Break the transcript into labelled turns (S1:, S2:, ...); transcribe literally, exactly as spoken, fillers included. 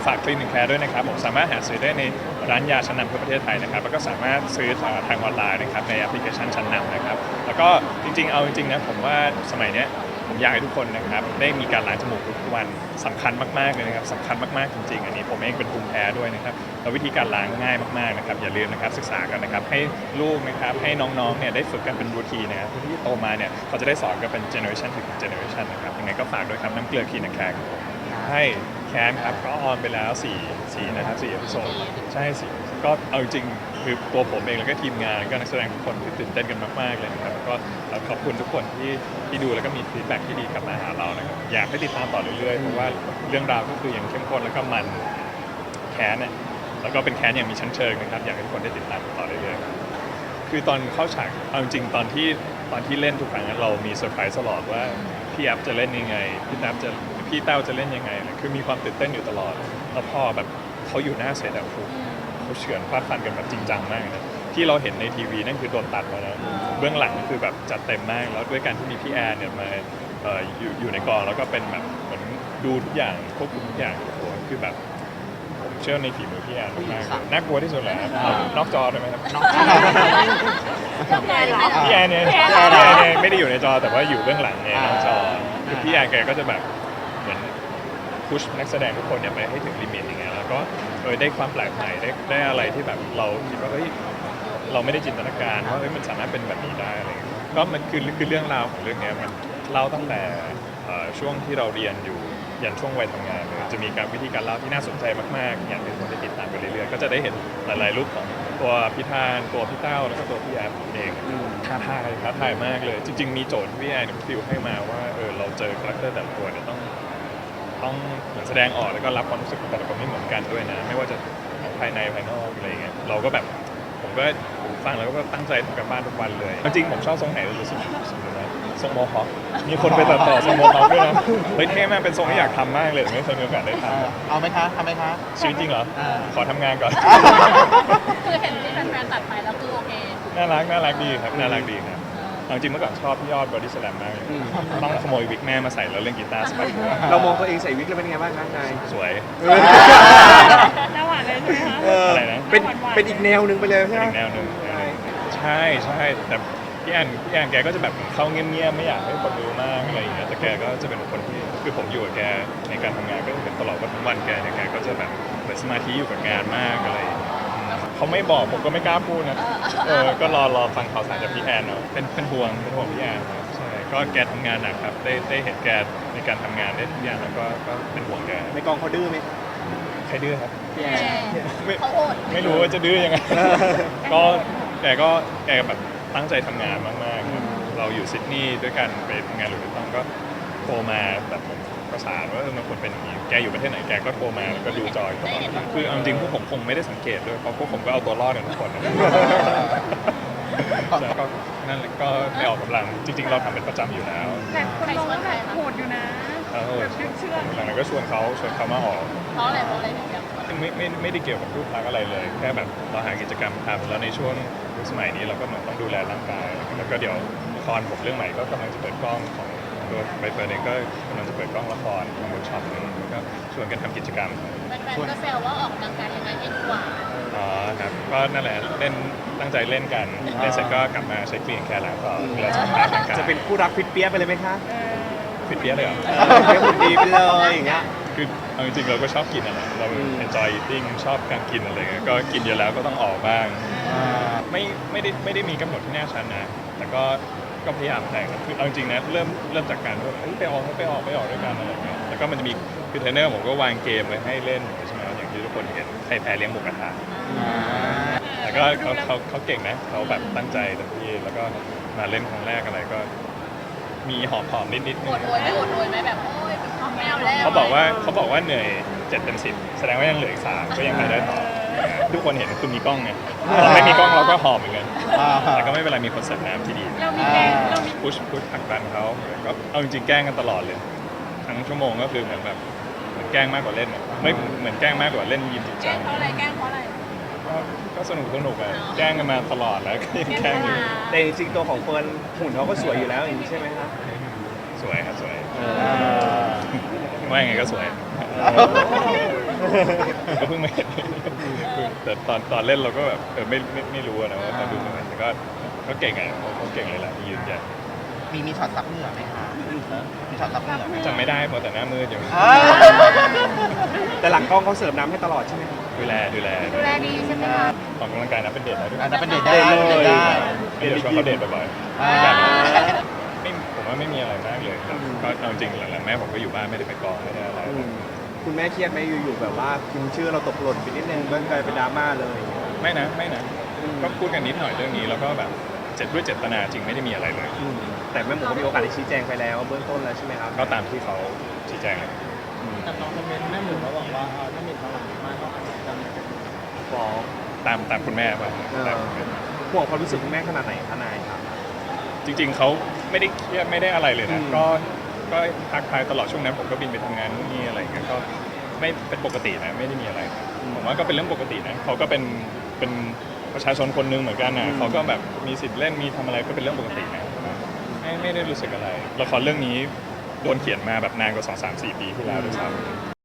S1: ฝากคลินิกแคร์ด้วยนะครับผมสามารถหาซื้อได้ในร้านยาชั้นนำทั่วประเทศไทยนะครับแล้วก็สามารถซื้อทางออนไลน์นะครับในแอปพลิเคชันชั้นนำนะครับแล้วก็จริงๆเอาจริงๆนะผมว่าสมัยเนี้ยผมอยากให้ทุกคนนะครับได้มีการล้างจมูกทุกวันสำคัญมากๆเลยนะครับสำคัญมากๆจริงๆอันนี้ผมเองเป็นภูมิแพ้ด้วยนะครับแล้ววิธีการล้างง่ายมากๆนะครับอย่าลืมนะครับศึกษากันนะครับให้ลูกนะครับให้น้องๆเนี่ยได้ฝึกกันเป็นรูทีนนะครับเพื่อที่โตมาเนี่ยเขาจะได้สอนกันเป็นเจเนอเรชันถึงเจเนอเรชันนะครับยังไงก็ฝากด้วยครับน้ำเกลือคลินิกแคร์ครับผมให้แคนครับก็ออนไปแล้ว4 4นะครับ4เอพิโซดใช่สิก็เอาจริงคือตัวผมเองแล้วก็ทีมงานแล้วก็นักแสดงทุกคนคือตื่นเต้นกันมากๆเลยนะครับแล้วก็ขอบคุณทุกคนที่ที่ดูแล้วก็มีฟีดแบ็กที่ดีกลับมาหาเรานะครับอยากให้ติดตามต่อเรื่อยๆเพราะว่าเรื่องราวก็คือยังเข้มข้นแล้วก็มันแคนเนี่ยแล้วก็เป็นแคนอย่างมีชั้นเชิงนะครับอยากให้ทุกคนได้ติดตามต่อเรื่อยๆคือตอนเข้าฉากเอาจริงตอนที่ตอนที่เล่นทุกครั้งเรามีเซอร์ไพรส์ตลอดว่าพี่แอฟจะเล่นยังไงพี่แอฟจะพี่เต้าจะเล่นยังไงคือมีความตื่นเต้นอยู่ตลอดแล้วพอแบบเขาอยู่หน้าเซตอะเขาเฉือนฟาดฟันกันแบบจริงจังมากนะที่เราเห็นในทีวีนั่นคือโดนตัดมาแล้วเบื้องหลังคือแบบจัดเต็มมากแล้วด้วยการที่มีพี่แอนเนี่ยมาเอ่ออยู่อยู่ในกองแล้วก็เป็นแบบเหมือนดูทุกอย่างควบคุมทุกอย่างโอ้โหคือแบบผมเชื่อในฝีมือพี่แอนมากๆน่ากลัวที่สุดแหละนอกจอได้ไหมครับนอกจอพี่แอนเนี่ยพี่แอนเนี่ยไม่ได้อยู่ในจอแต่ว่าอยู่เบื้องหลังเนี่ยนอกจอคือพี่แอนแกก็จะแบบเหมือนพุชนักแสดงทุกคนเนี่ยไปให้ถึงลิมิตอย่างเงี้ยแล้วก็เออได้ความแปลกใหม่ได้ได้อะไรที่แบบเราคิดว่าเฮ้ยเราไม่ได้จินตนาการว่าเฮ้ยมันสามารถเป็นแบบนี้ได้อะไรเงี้ยก็มันคือคือเรื่องราวของเรื่องนี้มันเล่าตั้งแต่ช่วงที่เราเรียนอยู่ยันช่วงวัยทำงานเลยจะมีการวิธีการเล่าที่น่าสนใจมากๆอยากให้ทุกคนได้ติดตามไปเรื่อยๆก็จะได้เห็นหลายๆรูปของตัวพี่ธานตัวพี่เต้าแล้วก็ตัวพี่แอฟเองท้าทายท้าทายมากเลยจริงๆมีโจทย์ที่พี่แอนฟิวให้มาว่าเออเราเจอคาแรคเตอร์แต่ละตัวเนี่ยต้องต้องเหมือนแสดงออกแล้วก็รับความรู้สึกของแต่ละคนไม่เหมือนกันด้วยนะไม่ว่าจะภายในภายนอกอะไรเงี้ยเราก็แบบผมก็ฟังแล้วก็ตั้งใจทำกันบ้านทุกวันเลยจริงๆผมชอบทรงไหนรู้สึกทรงโมฮอคมีคนไปตัดต่อทรงโมฮอคด้วยนะเฮ้ยเท่มากเป็นทรงที่อยากทำมากเลยไม่เคยมีโอกาสได้ทำ
S2: เอาไหมคะทำไหมคะ
S1: ชีวิตจริงเหรอขอทำงานก่อน
S3: คือเห็นที่แฟนๆตัดไปแล้วคือโอเค
S1: น่ารักน่ารักดีครับน่ารักดีครับจริงเมื่อก่อนชอบพี่ยอดบอดี้สแลมมากเลยต้องขโมยวิกแม่มาใส่แล้วเล่นกีตาร์สมัย
S4: เรามองตัวเองใส่วิกแล้วเป็นไงบ้างคะนาย
S1: สวย
S3: น่าหวานเลยใช่ไหมคะ
S1: อะไรนะ
S4: เป็นเป็นอีกแนวหนึ่งไปเลยใช่ไหม
S1: อีกแนวหนึ่งใช่ใช่แต่พี่แอนพี่แอนแกก็จะแบบเข้าเงียบๆไม่อยากให้คนรู้มากอะไรอย่างเงี้ยแต่แกก็จะเป็นคนที่คือผมอยู่กับแกในการทำงานก็เป็นตลอดว่าทั้งวันแกเนี่ยแกก็จะแบบเหมือนสมาธิอยู่กับงานมากอะไรเขาไม่บอกผมก็ไม่กล้าพูดนะเออก็รอรอฟังข่าวสารจากพี่แอนเนาะเป็นเป็นห่วงเป็นห่วงพี่แอนใช่ก็แกทำงานหนักครับได้ได้เห็นแกในการทำงานได้ทุกอย่างแล้วก็ก็เป็นห่วงแก
S4: ในกองเขาดื้อไหม
S1: ใครดื้อครับ
S4: พี่แอน
S1: ไม่ไม่รู้ว่าจะดื้อยังไงก็แกก็แกแบบตั้งใจทำงานมากๆเราอยู่ซิดนีย์ด้วยกันไปทำงานหรือไม่ต้องก็โทรมาแบบผมประสานว่ามันควรเป็นอย่างนี้แกอยู่ประเทศไหนแกก็โทรมาแล้วก็ดูจอยตลอดคือเอาจริงพวกผมคงไม่ได้สังเกตด้วยเพราะพวกผมก็เอาตัวรอดกันทุกคนก็นั่นก็ไปออกกำลังจริงๆเราทำเป็นประจำอยู่แล้ว
S3: แต่คนมองว่าแบบโหดอยู่นะแบบเชื่อ
S1: หลังนั้นก็ชวนเขาชวนเขามาออก
S3: เพราะอะไรเพราะอะไรถึงอยาก
S1: ไม่ไม่ไม่ได้เกี่ยวกับรูปลักษณ์อะไรเลยแค่แบบเราหากิจกรรมทำแล้วในช่วงสมัยนี้เราก็เหมือนต้องดูแลร่างกายแล้วก็เดี๋ยวละครผมเรื่องใหม่ก็กำลังจะเปิดกล้องของตัวใบเฟิร์นเองก็กำลังจะเปิดกล้องละครทำเวิร์กช็อปนึงแล้วก็ชวนกันทำกิจกรรม
S3: แฟนๆก็แซวว่าออกกำลังกายยังไงให้ดูหวาน
S1: อ๋อครับก็นั่นแหละเล่นตั้งใจเล่นกันเล่นเสร็จก็กลับมาใช้คลีนแคร์ล้างต่อเวลาจะทำร่างกาย
S4: จะเป็นคู่รักฟิตเปี้ยไปเลยไหมคะ
S1: ฟิตเปี้ยเลยเหรอ
S4: เปี้ยหุ่นดีไปเลยอย่างเงี้ย
S1: คือเอาจริงๆเราก็ชอบกินอะไรเรา enjoy eating ชอบการกินอะไรเงี้ยก็กินเยอะแล้วก็ต้องออกบ้างไม่ไม่ได้ไม่ได้มีกำหนดที่แน่ชัดนะแต่ก็ก็พยายามแต่งคือเอาจริงๆนะเริ่มเริ่มจากการว่าไปออกไปออกไปออกด้วยกันอะไรเงี้ยแล้วก็มันจะมีคือเทรนเนอร์ผมก็วางเกมไว้ให้เล่นใช่ไหมอย่างที่ทุกคนเห็นใครแพ้เลี้ยงหมูกระทะแต่ก็เขาเขาเขาเก่งนะเขาแบบตั้งใจเต็มที่แล้วก็มาเล่นครั้งแรกอะไรก็มีหอบหอมนิดนิด
S3: โอดโวยไม่โอดโวยไหมแบบโอ้ยไม่เอาแล้ว
S1: เขาบอกว่าเขาบอกว่าเหนื่อยเจ็ดเต็มสิบแสดงว่ายังเหลืออีกสามก็ยังไปได้ต่อทุกคนเห็นคือมีกล้องไงเราไม่มีกล้องเราก็หอบเหมือนกันแต่ก็ไม่เป็นไรมีคนเสิร์ฟน้ำที่ดี
S3: เรามีแกงเรามี
S1: พุชพุชผลักดันเขาก็เอาจริงๆแกล้งกันตลอดเลยทั้งชั่วโมงก็คือเหมือนแบบเหมือนแกล้งมากกว่าเล่นไม่เหมือนแกล้งมากกว่าเล่นยิมจริงจัง
S3: แกล้งเพราะอะไรแกล้งเพราะอะไร
S1: ก็สนุกสนุกอะแกล้งกันมาตลอดแล้วก็ยังแกล้งอยู่
S4: แต่จริงๆตัวของเฟิร์นหุ่นเขาก็สวยอยู่แล้วอย่างนี้ใช่ไหมครับ
S1: สวยครับสวยว่ายังไงก็สวยก็เพิ่งมาเห็นแต่ตอนตอนเล่นเราก็แบบเออไม่ไม่ไม่รู้อะนะว่าเขาดูยังไงแต่ก็ก็เก่งอ่ะเขาเขาเก่งเลยแหละที่ยืนยัน
S2: มีมีช็อตซับเหงื่อไหมคะมีช็อตซับเหงื่อไหม
S1: จำไม่ได้เพราะแต่หน้ามืดอยู่
S2: อ่า
S4: แต่หลังกล้องเขาเสิร์ฟน้ำให้ตลอดใช่ไหม
S1: ดูแลดูแล
S3: ดูแลดีใช่ไหมคะ
S1: ออกกำลังกายนะเป็นเด็กแล้วด้วย
S2: อันนั้นเป็นเดทได้
S4: เดทเลย
S2: เดทได้
S1: เดี๋ยวชวนเขาเดทบ่อย
S2: อ่า
S1: ๆไม่ผมว่าไม่มีอะไรมากเลยครับก็เอาจริงหลังๆแม่ผมก็อยู่บ้านไม่ได้ไปกองไม่ได้อะไร
S4: อืมคุณแม่เครียดไหมอยู่ๆแบบว่าพิมพ์ชื่อเราตกหล่นไปนิดนึงก็กลายเป็นดราม่าเลย
S1: ไม่นะไม่นะก็พูดกันนิดหน่อยเรื่องนี้แล้วก็แบบเจ็ดด้วยเจตนาจริงไม่ได้มีอะไรเลย
S4: อืมแต่แม่หมูก็มีโอกาสได้ชี้แจงไปแล้วเบื้องต้นแล้วใช่ไหมครับ
S1: ก็ตามที่เขาชี้แจงเลย
S5: แต่น้องคอมเมนต์แม่หมูเขาบอกว่าเออถ้ามีพลังมากก็อาจจะมี
S4: ฟ้อง
S1: ตามตามคุณแม่ว่า
S4: เออ
S1: ตามคุณแม่
S4: ห่วงความรู้สึกคุณแม่ขนาดไหนทนายครับ
S1: จริง ๆเขาไม่ได้เครียดไม่ได้อะไรเลยนะ
S4: อืม
S1: ก็ก็ทักทายตลอดช่วงนั้นผมก็บินไปทำงานนู่นนี่อะไรอย่างเงี้ยก็ไม่เป็นปกตินะไม่ได้มีอะไร ผมว่าก็เป็นเรื่องปกตินะเขาก็เป็นเป็นประชาชนคนหนึงเหมือนกันนะเขาก็แบบมีสิทธิ์เล่นมีทำอะไรก็เป็นเรื่องปกตินะไม่ไม่ได้รู้สึกอะไรละครเรื่องนี้โดนเขียนมาแบบนานกว่าสองสามสี่ปีที่แล้วด้วยซ้ำ